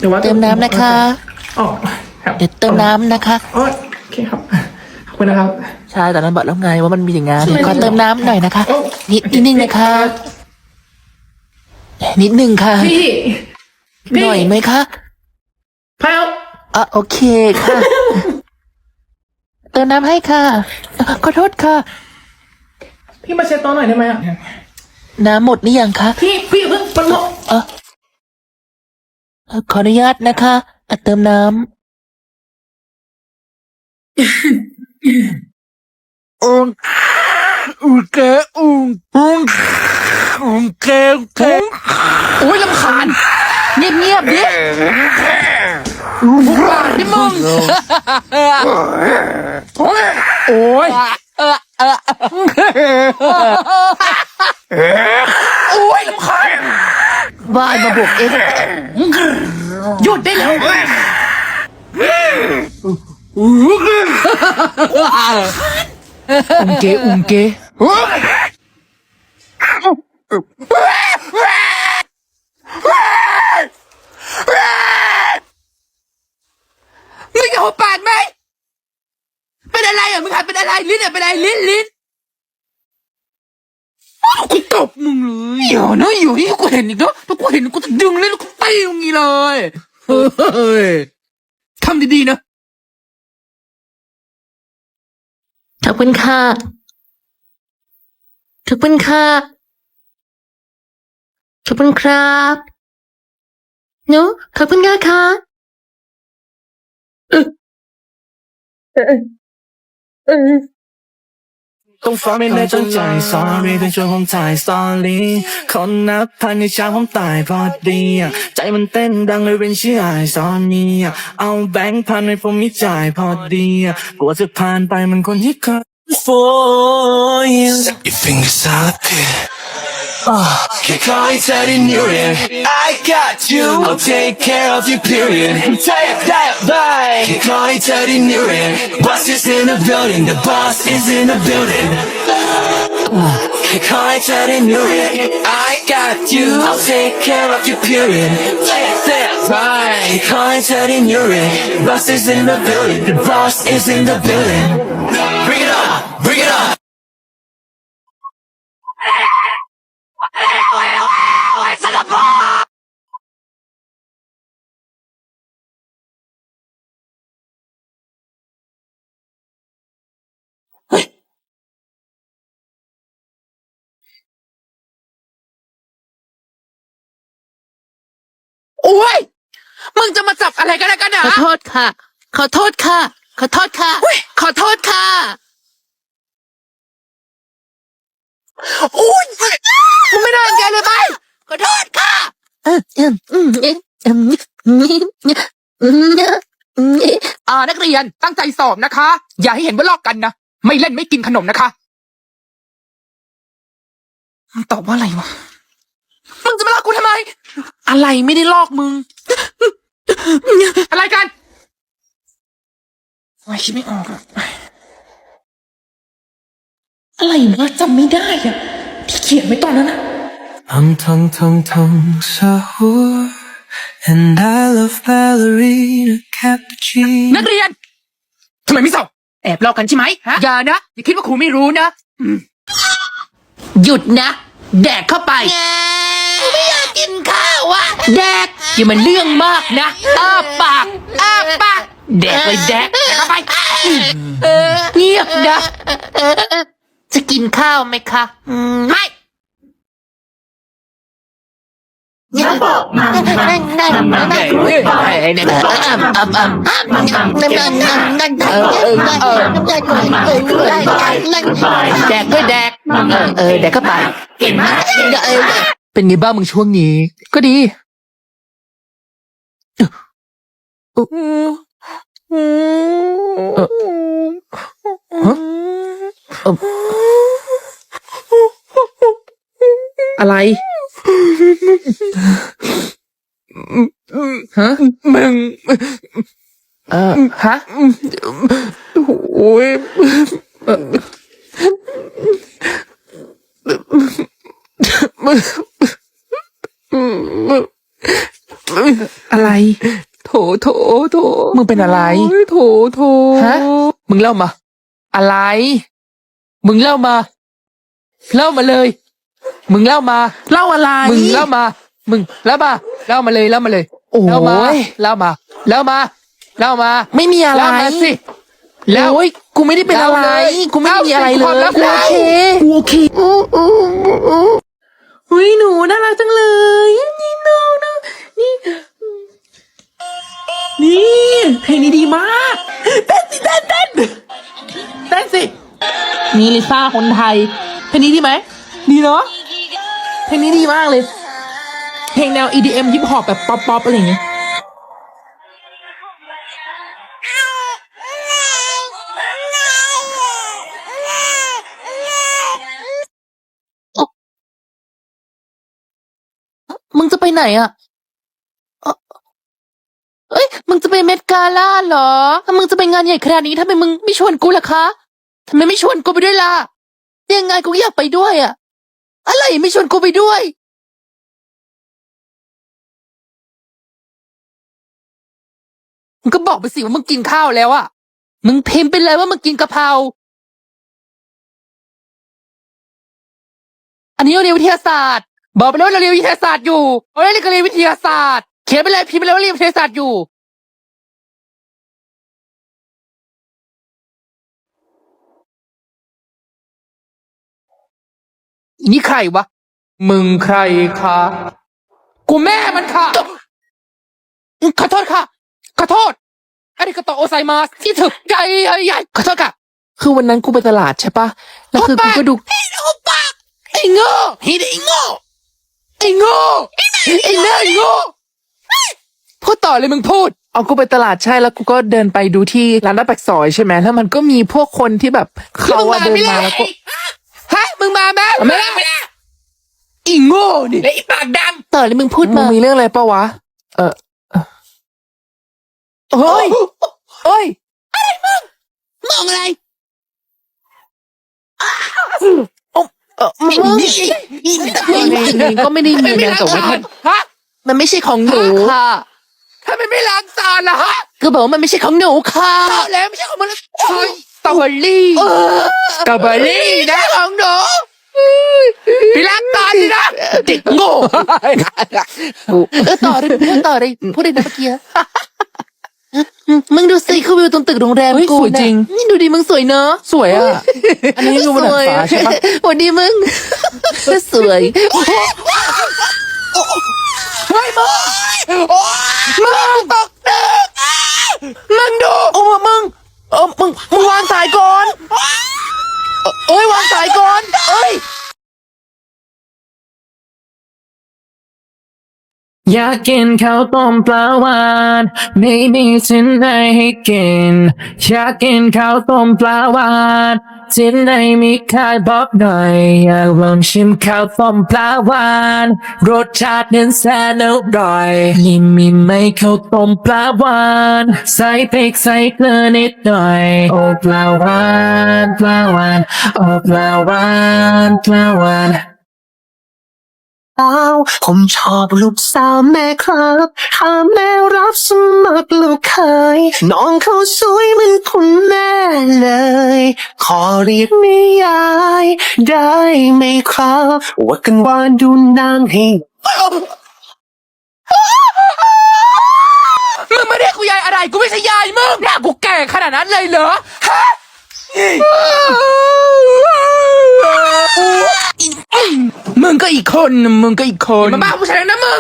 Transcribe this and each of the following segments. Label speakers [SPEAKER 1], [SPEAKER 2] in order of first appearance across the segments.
[SPEAKER 1] แต่ว่า
[SPEAKER 2] เติมน้ำนะคะ
[SPEAKER 1] อ๋อครับ
[SPEAKER 2] เดี๋ยวเติมน้ำนะคะ
[SPEAKER 1] โอเคครับขอบคุณนะครับ
[SPEAKER 2] ใช่แต่นั้นบอกแล้วไงว่ามันมีอย่างงั้น
[SPEAKER 1] ใช่
[SPEAKER 2] ขอเติมน้ำหน่อยนะคะ
[SPEAKER 1] โอ้
[SPEAKER 2] นิดนึงนะคะ นิดนึงค่ะ
[SPEAKER 1] พี่
[SPEAKER 2] หน่อยไหมคะ
[SPEAKER 1] พาว
[SPEAKER 2] โอเคค่ะ เติมน้ำให้ค่ะขอโทษค่ะ
[SPEAKER 1] พี่มาเช็ดโต๊ะหน่อยได้ไหมอ่ะ
[SPEAKER 2] น้ำหมดหรือยังคะ
[SPEAKER 1] พี่เพิ่งมันหมด
[SPEAKER 2] ขออนุญาตนะคะเติมน้ำอุ้งเกอุ้งเกโอ้ยลำคาญเงียบดิบ้าดิมึงโอ้ยโอ้ยลำคาญบ้ามาบวกเองหยุดได้แล้วอุ้งเกมึงจะหัวปากไหมเป็นอะไรอ่ะมึงหายเป็นอะไรลิ้นอ่ะเป็นอะไรลิ้นกูตบมึงเลยอยู่ที่กูเห็นอีกเนาะถ้ากูเห็นกูจะดึงเลยแล้วกูตีมึงงี้เลยเฮ้ยทำดีๆนะขอบคุณค่ะขอบคุณค่ะขอบคุณครับเนาะขอบคุณค่ะ
[SPEAKER 3] ต้องฟ้าไม่ได้ตั้งใจ sorry เป็นช่วงผมถ่ายสตอรี่คนนับพันในเช้าผมตายพอดีใจมันเต้นดังเลยเป็นชื่อไอซอนนี่เอาแบงค์พันให้ผมมีจ่ายพอดีกลัวจะผ่านไปมันคนที่เคย for you Step your fingers out there Can't call it that in your ear I got you I'll take care of your period Bye Can't call it that in your ear Boss is in the building The boss is in the building Can't call it that in your ear I got you I'll take care of your period Bye Can't call it that in your ear Boss is in the building The boss is in the building Bring it on Bring it on
[SPEAKER 2] โอ้ยมึงจะมาจับอะไรกันนะขอโทษค่ะ ขอโทษค่ะ ขอโทษค่ะ ขอโทษค่ะโอ้ยมึงไม่ได้รังแกเลยไปขอโทษค่ะนักเรียนตั้งใจสอบนะคะ อย่าให้เห็นว่าลอกกันนะไม่เล่นไม่กินขนมนะคะตอบว่าอะไรวะมึงจะมาลอกกูทำไมอะไรไม่ได้ลอกมึงอะไรกันไม่คิดไม่ออกอะอะไรวะจำไม่ได้อะที่เขียนไว้ตอนนั้นอะ
[SPEAKER 3] I'm tongue sahur And I love ballerina cappuccino
[SPEAKER 2] นักเรียนทำไมไม่สอบแอบลอกกันใช่ไหมฮะอย่านะอย่าคิดว่าครูไม่รู้นะหยุดนะแดกเข้าไปไม่อยากกินข้าวอะแดกอย่ามันเรื่องมากนะปากแดกเลยแดกเข้าไปเงียบนะจะกินข้าวไหมคะไม่อย่าบอกมาแดกด้วยแดกแดกเข้าไปเป็นไงบ้างมึงช่วงนี้ก็ดีอะไรฮะมึงฮะโอ้ยอะไรโถโถโถ
[SPEAKER 1] มึงเป็นอะไร
[SPEAKER 2] โถโถ
[SPEAKER 1] ฮะ
[SPEAKER 2] มึงเล่ามา
[SPEAKER 1] อะไร
[SPEAKER 2] มึงเล่ามา เล่ามาเลย มึงเล่ามา
[SPEAKER 1] เล่าอะไร
[SPEAKER 2] มึงเล่ามา มึงเล่ามา เล่ามาเลย เล่ามาเลย
[SPEAKER 1] โอ้ย
[SPEAKER 2] เล่ามา เล่ามา เล่ามา เล่ามา
[SPEAKER 1] ไม่มีอะไร
[SPEAKER 2] เล่ามาสิเล่า
[SPEAKER 1] โอ้ยกูไม่ได้เป็นอะไร
[SPEAKER 2] เล่าเลย
[SPEAKER 1] กูไม่ได้มีอะไรเล
[SPEAKER 2] เล่าสิความลั
[SPEAKER 1] ย
[SPEAKER 2] บ
[SPEAKER 1] กู
[SPEAKER 2] เล่า
[SPEAKER 1] โอเคอุ้ยหนูน่ารักจังเลยนี่น้องนะนี่นี่เพลงนี้ดีมากเต้นสิเต้นเต้นเต้นสินี่ลิซ่าคนไทยเพลงนี้ดีไหมดีเนาะเพลงนี้ดีมากเลย เพลงแนว EDM ฮิปฮอปแบบป๊อปอะไรอย่างเงี้ย
[SPEAKER 2] มึงจะไปไหนอ่ะเอ้ย มึงจะไปเมดกาล่าเหรอ ถ้ามึงจะไปงานใหญ่ขนาดนี้ทำไมมึงไม่ชวนกูล่ะคะทำไมไม่ชวนกูไปด้วยล่ะยังไงกูก็อยากไปด้วยอ่ะ อะไรไม่ชวนกูไปด้วย มึงก็บอกไปสิว่ามึงกินข้าวแล้วอ่ะ มึงพิมพ์ไปเลยว่ามึงกินกะเพรา อันนี้เราเรียนวิทยาศาสตร์ บอกไปเลยว่าเราเรียนวิทยาศาสตร์อยู่เราเรียนก็เรียนวิทยาศาสตร์ เขียนไปเลยพิมพ์ไปเลยว่าเรียนวิทยาศาสตร์อยู่ อีนี่ใครวะ
[SPEAKER 1] มึงใครคะ
[SPEAKER 2] กูแม่มันค่ะ ขอโทษค่ะ ขอโทษอาริกาโตโอไซมาสที่ถึกใจใหญ่ขอโทษค่ะ
[SPEAKER 1] คือวันนั้นกูไปตลาดใช่ปะแล้วคือกูก็ดู
[SPEAKER 2] โอปากไอ้โง่ไอ้โง่ไอ้โง่ไอ้แม่ไอ้โง่พูดต่อเลยมึงพูด
[SPEAKER 1] เอากูไปตลาดใช่แล้วกูก็เดินไปดูที่ร้านหน้าปากซอยใช่ไหมแล้วมันก็มีพวกคนที่แบบเขาอะเดินมาแล้วก็
[SPEAKER 2] ฮะมึงมาไหมไม่ได้อีโง่นี่และอีปากดำต่อเลยมึงพูด
[SPEAKER 1] มึ
[SPEAKER 2] มาง
[SPEAKER 1] มีเรื่องอะไรปะวะ
[SPEAKER 2] เฮ้ยเฮ้ยอะไรมึงมองอะไร
[SPEAKER 1] มึงก็ไม่ได้มีนะแต่ว่า
[SPEAKER 2] ฮะมันไม่ใช่ของหนูค่ะถ้ามันไม่ล้างจานล่ะฮะก็บอกว่ามันไม่ใช่ของหนูค่ะแล้วไม่ใช่ของมันใช่สตรอเบอรี่สตรอเบอรี่นะของหนูพี่ล้างจานดินะเด็กโง่ต่อเลยพูดเลยนะเมื่อกี้มึงดูสิคือวิวตรงตึกโรงแรม
[SPEAKER 1] เฮ้ย
[SPEAKER 2] กู
[SPEAKER 1] สวยจริง
[SPEAKER 2] นี่ดูดิมึงสวยเนอะ
[SPEAKER 1] สวยอ่ะ อันนี้คือบนดาดฟ้าใช่ปะ
[SPEAKER 2] สวัสดีมึงสวยเฮ้ยมึงตกตึกมึงดู
[SPEAKER 1] โอ้มึงวางสายก่อนเอ้ยวางสายก่อนเอ้ยอยากกินข้าวต้มปลาหวานไม่มีที่ไหนให้กินอยากกินข้าวต้มปลาหวานที่ไหนมีขายบอกหน่อยอยากลองชิมข้าวต้มปลาหวานรสชาตินั้นแสนอร่อยนี่มีไหมข้าวต้มปลาหวานใส่พริกใส่เกลือนิดหน่อยโอ้ปลาหวานปลาหวานโอ้ปลาหวานปลาหวาน
[SPEAKER 3] ผมชอบลูกสาวแม่ครับถ้าแม่รับสมัครลูกเคยน้องเขาสวยเหมือนคุณแม่เลย ขอเรียกแม่ยายได้ไหมครับว่ากันว่าดูนางให้
[SPEAKER 2] มึงไม่เรียกกูยายอะไรกูไม่ใช่ยายมึงเนี่ยกูแก่ขนาดนั้นเลยเหรอฮะมึงก็อีกคนมาบ้าผู้ชายนะมึง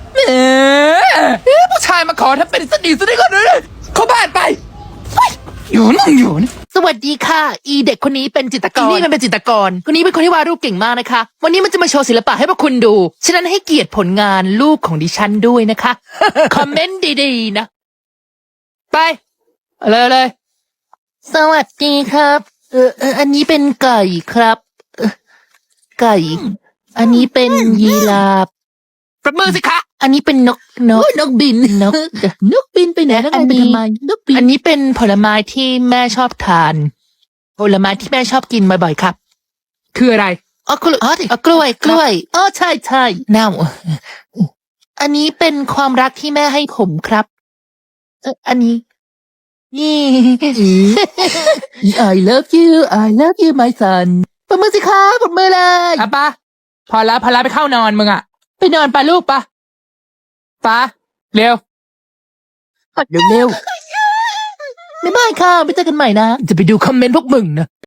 [SPEAKER 2] ผู้ชายมาขอถ้าเป็นสดีก่อนเลยเข้าบ้านไปอยู่นะสวัสดีค่ะ อีเด็กคนนี้เป็นจิตรกรนี่มันเป็นจิตรกรคนนี้เป็นคนที่วาดรูปเก่งมากนะคะ วันนี้มันจะมาโชว์ศิลปะให้พวกคุณดูฉะนั้นให้เกียรติผลงานรูปของดิฉันด้วยนะคะ คอมเมนต์ดีๆนะไปเลยสวัสดีครับอันนี้เป็นไก่ครับไก่ อันนี้เป็นยีราฟประมือสิคะอันนี้เป็นนกบินนกบินไปไหนแล้วอันนี้นกบินอันนี้เป็นผลไม้ที่แม่ชอบทาน ผลไม้ที่แม่ชอบกินบ่อยๆครับ คืออะไรอ๋อกล้วยอ๋อใช่เน่าอันนี้เป็นความรักที่แม่ให้ผมครับ อันนี้ นี่ I love you I love you my son ปรบมือสิคะปรบมือเลยอ่ะปะพอแล้วไปเข้านอนมึงอ่ะ ไปนอนปะลูกปะเร็วเร็วบ๊ายบายค่ะไปเจอกันใหม่นะ จะไปดูคอมเมนต์พวกมึงนะ